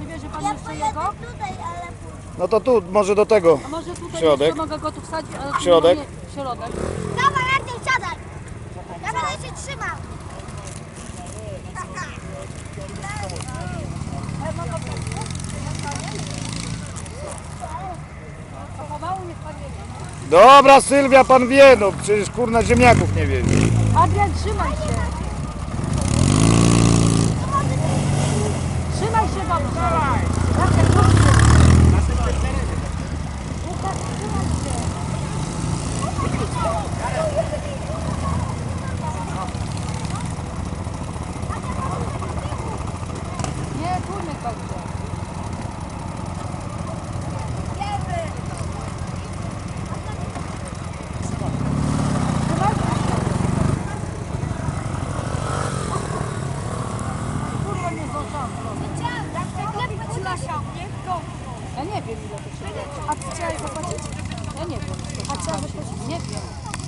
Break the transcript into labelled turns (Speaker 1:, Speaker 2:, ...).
Speaker 1: przywiezie pan jeszcze jego?
Speaker 2: No to tu, może do tego.
Speaker 1: A może tutaj
Speaker 2: Środek.
Speaker 1: jeszcze mogę go tu wsadzić? Ale tu
Speaker 2: Środek.
Speaker 1: nie- Środek.
Speaker 3: Dawaj, Artur, siadaj! Ja będę się trzymał.
Speaker 1: To pomału niech pan jedzie.
Speaker 2: Dobra, Sylwia, pan wie, no przecież kurna ziemniaków nie wie.
Speaker 1: Adrian, trzymaj się. Trzymaj się dobrze. Jacek, rusz się. Łukasz, trzymaj się. Nie, tu nie będzie. Kurwa, nie zdążamy. Ja nie wiem, ile to się da.
Speaker 3: A ty chciałeś zapłacić?
Speaker 1: Ja nie wiem.
Speaker 3: A trzeba zapłacić?
Speaker 1: Nie wiem.